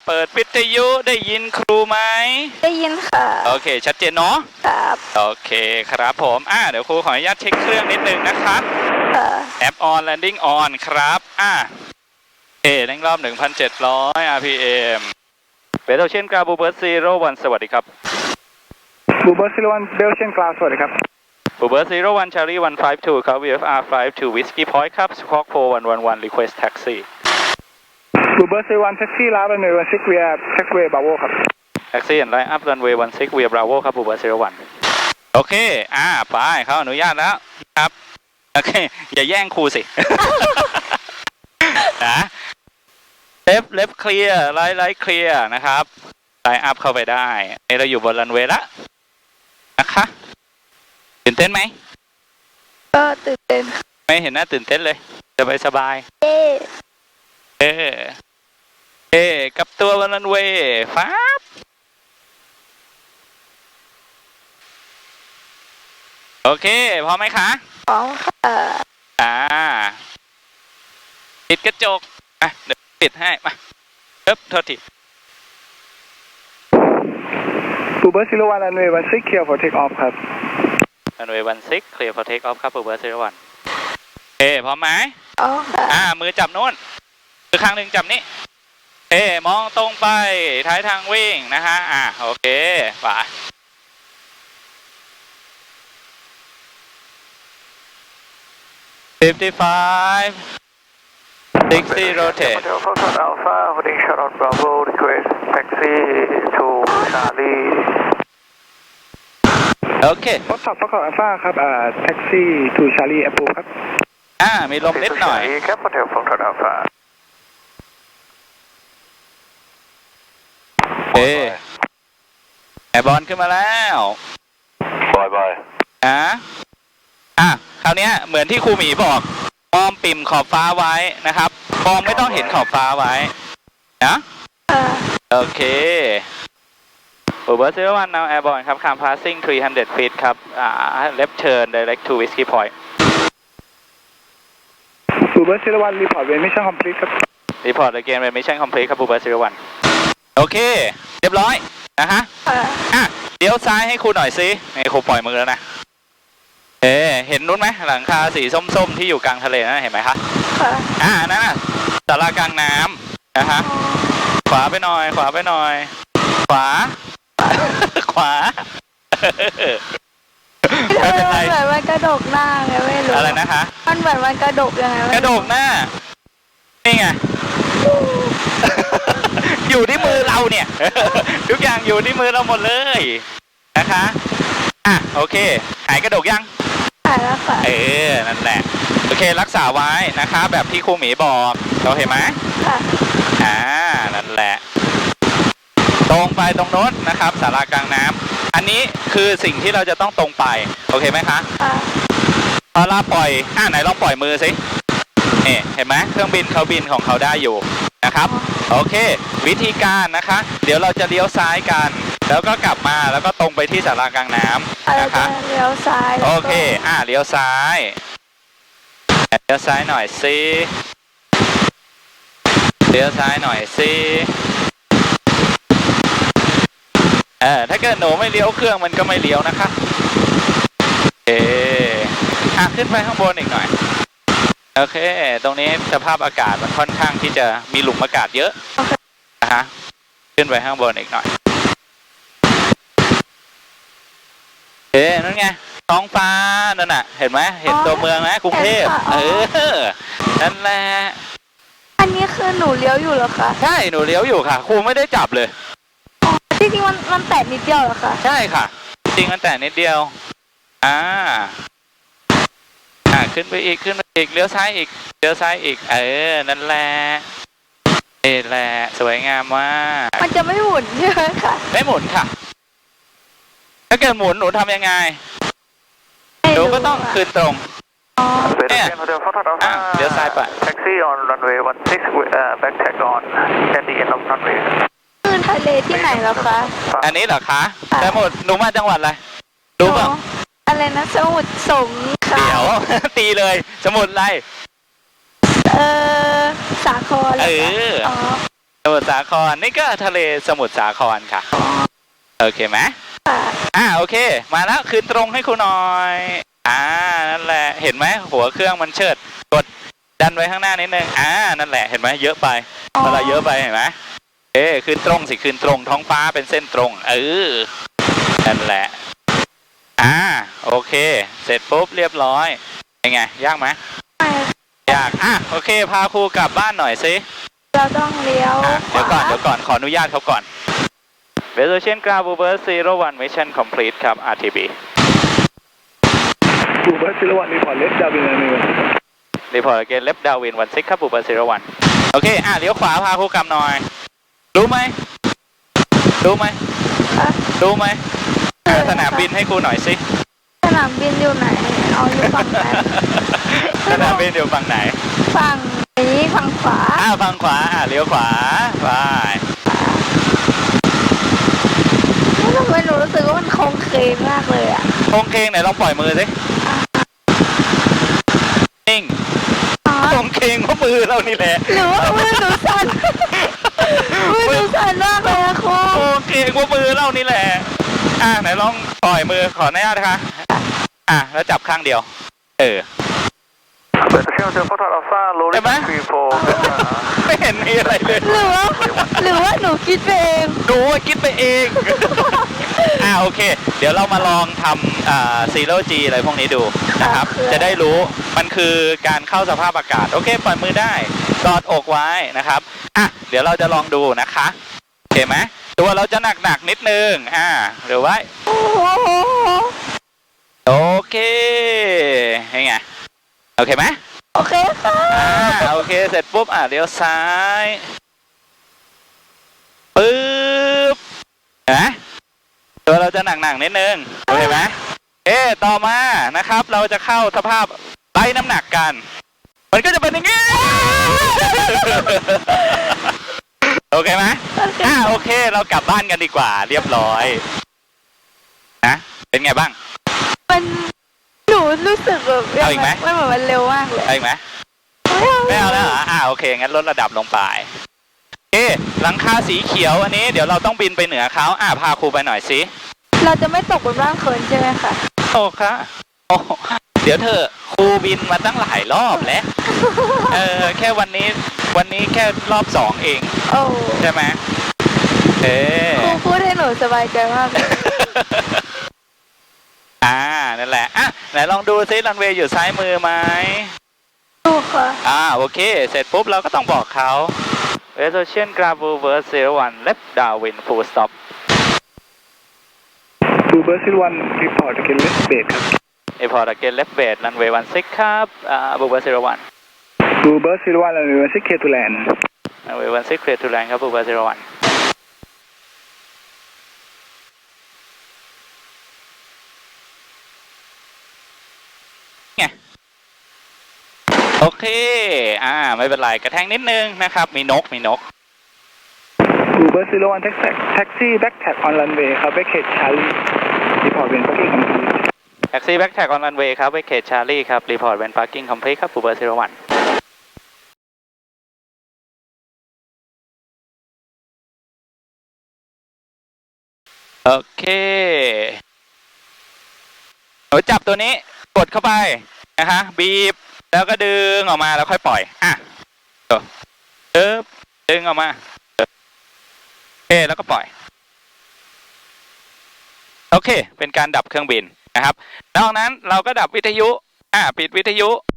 เปิดวิทยุได้ยินครูไหมได้ยินค่ะโอเคชัดเจนเนาะครับโอเคครับผมเดี๋ยวครูขออนุญาตเช็คเครื่องนิดนึงนะครับแอป on landing on ครับเร่งรอบ 1,700 rpm เบลเชียนกราบูเบิร์ต01สวัสดีครับบูเบิร์ต01เบลเชียนกราสวัสดีครับบูเบิร์ต01 Charlie 152ครับ VFR 52 Whiskey Point ครับ Squawk 4111 Request Taxi บูเบิร์ต01แท็กซี่ลาบันเวย์16 via taxiway Bravo ครับ Taxi and line up runway 16 via Bravo ครับบูเบิร์ต01โอเคไปเขาอนุญาตแล้วครับโอเคอย่าแย่งครูสิ นะเลฟเคลียร์ไลท์เคลียร์นะครับไลน์อัพเข้าไปได้เราอยู่บนรันเวย์ละนะคะตื่นเต้นไหมก็ตื่นเต้นไม่เห็นหน้าตื่นเต้นเลยสบายกับตัวบนรันเวย์ฟ้าโอเคพร้อมไหมคะพร้อมค่ะปิดกระจกเดี๋ยวปิดให้มาโทษทีบูเบิร์ต01 runway 16 clear for take off ครับ runway 16 clear for take off ครับบูเบิร์ต01พร้อมไหมค่ะมือจับโน้นมือข้างหนึ่งจับนี้มองตรงไปท้ายทางวิ่งนะฮะโอเคไป55 60 rotate Foxtrot Alpha holding Charlotte Bravo request taxi to Charlie โอเค Foxtrot Alpha ครับแท็กซี่ to Charlie approve ครับมีลมนิดหน่อยครับ Hotel Foxtrot Alpha แอร์บอลขึ้นมาแล้วบายคราวนี้เหมือนที่ครูหมีบอกมองปิ่มขอบฟ้าไว้นะครับมองไม่ต้องเห็นขอบฟ้าไว้นะโอเคบูเบิร์ต01 now airborne ครับ climb passing 300 feet ครับleft turn direct to Whiskey Point บูเบิร์ต01 report when mission complete ครับ report again when mission complete ครับบูเบิร์ต01โอเคเรียบร้อยนะฮะเดี๋ยวซ้ายให้ครูหน่อยสิให้ครูปล่อยมือแล้วนะเห็นนู้นไหมหลังคาสีส้มๆที่อยู่กลางทะเลนะเห็นไหมคะนั่นน่ะศาลากลางน้ำนะฮะขวาไปหน่อยขวาไม่เป็นไรเหมือนมันกระดกหน้าไงไม่รู้อะไรนะคะมันเหมือนมันกระดกยังไงกระดกหน้านี่ไง อยู่ที่มือเราเนี่ย ทุกอย่างอยู่ที่มือเราหมดเลยนะคะโอเคหายกระดกยังหายแล้วค่ะนั่นแหละโอเครักษาไว้นะคะแบบที่ครูหมีบอกเราเห็นไหมนั่นแหละตรงไปตรงโน้นนะครับศาลากลางน้ำอันนี้คือสิ่งที่เราจะต้องตรงไปโอเคไหมคะพอเราปล่อยไหนลองปล่อยมือสิเห็นไหมเครื่องบินเขาบินของเขาได้อยู่นะครับโอเควิธีการนะคะเดี๋ยวเราจะเลี้ยวซ้ายกันแล้วก็กลับมาแล้วก็ตรงไปที่ศาลากลางน้ำนะคะเลี้ยวซ้ายโอเคเลี้ยวซ้ายหน่อยสิเลี้ยวซ้ายหน่อยสิถ้าเกิดหนูไม่เลี้ยวเครื่องมันก็ไม่เลี้ยวนะคะขึ้นไปข้างบนอีกหน่อยโอเคตรงนี้สภาพอากาศมันค่อนข้างที่จะมีหลุมอากาศเยอะนะฮะขึ้นไปข้างบนอีกหน่อยนั่นไงท้องฟ้านั่นน่ะเห็นไหมเห็นตัวเมืองไหมกรุงเทพนั่นแหละอันนี้คือหนูเลี้ยวอยู่เหรอคะใช่หนูเลี้ยวอยู่ค่ะครูไม่ได้จับเลยจริงๆมันแตะนิดเดียวเหรอคะใช่ค่ะจริงมันแตะนิดเดียวขึ้นไปอีกเลี้ยวซ้ายอีกนั่นแหละแหละสวยงามมากมันจะไม่หมุนใช่ไหมคะไม่หมุนค่ะถ้าเกิดหมุนหนูทำยังไงหนูก็ต้องคืนตรงเนี่ยเลี้ยวซ้ายไป taxi on runway 16 back tag on at the end of runway คือทะเลที่ไหนแล้วคะอันนี้เหรอคะแต่หมดหนูมาจังหวัดอะไรรู้ป่ะอะไรนะสมุทรสงครามเดี๋ยวตีเลยสมุทรอะไรสาครสมุทรสาครนี่ก็ทะเลสมุทรสาครค่ะโอเคไหมค่ะโอเคมาแล้วคืนตรงให้ครูหน่อยนั่นแหละเห็นไหมหัวเครื่องมันเชิดกดดันไว้ข้างหน้านิดนึงนั่นแหละเห็นไหมเยอะไปเวลาเยอะไปเห็นไหมคืนตรงสิคืนตรงท้องฟ้าเป็นเส้นตรงนั่นแหละโอเคเสร็จปุ๊บเรียบร้อยยังไงยากไหมไม่ยากโอเคพาครูกลับบ้านหน่อยสิเราต้องเลี้ยวเดี๋ยวก่อนขออนุญาตเขาก่อน Resolution Ground Bluebird 01 Mission Complete ครับ RTB Bluebird 01 report left downwind runway Report again left downwind 16 ครับ Bluebird 01โอเคเลี้ยวขวาพาครูกลับหน่อยรู้ไหมสนามบินให้ครูหน่อยสิสนามบินอยู่ไหนเอาอยู่ฝั่งนั้นสนามบินอยู่ฝั่งไหนฝั่งนี้ฝั่งขวาฝั่งขวาเลี้ยวขวาไปทำไมหนูรู้สึกว่ามันโค้งเคงมากเลยอ่ะโค้งเคงไหนลองปล่อยมือสินิ่งโค้งเคงเพราะมือเรานี่แหละหรือว่ามือหนูสั่นมือหนูสั่นมากเลยอะครูโค้งเคงเพราะมือเรานี่แหละไหนลองปล่อยมือขออนุญาตนะคะแล้วจับข้างเดียว Attention Foxtrot Alpha rolling 34 ไม่เห็นมีอะไรเลยหรือว่าหนูคิดไปเองดูว่าคิดไปเอง โอเค เดี๋ยวเรามาลองทำZero G อะไรพวกนี้ดูนะครับ จะได้รู้มันคือการเข้าสภาพอากาศโอเคปล่อยมือได้กอดอกไว้นะครับเดี๋ยวเราจะลองดูนะคะโอเคไหมตัวเราจะหนักนิดนึงหรือว่าโอ้โหโอเคยังไงโอเคไหมโอเคค่ะโอเคเสร็จปุ๊บเลี้ยวซ้ายปึ๊บเห็นไหมตัวเราจะหนักนิดนึงโอเคไหมต่อมานะครับเราจะเข้าสภาพไล่น้ำหนักกันมันก็จะเป็นอย่างนี้ โอเคไหมโอเคเรากลับบ้านกันดีกว่าเรียบร้อยนะเป็นไงบ้างหนูรู้สึกแบบเอาอีกไหมมันเหมือนมันเร็วมากเลยเอาอีกไหมไม่เอาแล้วเหรอโอเคงั้นลดระดับลงไปหลังคาสีเขียวอันนี้เดี๋ยวเราต้องบินไปเหนือเขาพาครูไปหน่อยสิเราจะไม่ตกบนร่างเขินใช่ไหมคะโอ้ค่ะเดี๋ยวเธอครูบินมาตั้งหลายรอบแล้วแค่วันนี้แค่รอบ2เองโอ้ใช่ไหมครูพูดให้หนูสบายใจมากเลยนั่นแหละไหนลองดูซิรันเวย์อยู่ซ้ายมือไหมดูค่ะโอเคเสร็จปุ๊บเราก็ต้องบอกเขา Resolution Ground Bluebird 01 left downwind full stop Bluebird 01 report again left base ครับ Report again left base runway 16ครับ Bluebird 01 Bluebird 01 runway 16 clear to land runway 16 clear to land ครับ Bluebird 01โอเคไม่เป็นไรกระแทงนิดนึงนะครับมีนก Bluebird 01 taxi back tag on runway ครับ Backgate Charlie report when parking complete Taxi back tag on runway ครับ Backgate Charlie ครับ report when parking complete ครับ Bluebird 01โอเคหนูจับตัวนี้กดเข้าไปนะคะบีบแล้วก็ดึงออกมาแล้วค่อยปล่อยดึงออกมาแล้วก็ปล่อยโอเคเป็นการดับเครื่องบินนะครับนอกนั้นเราก็ดับวิทยุปิดวิทยุ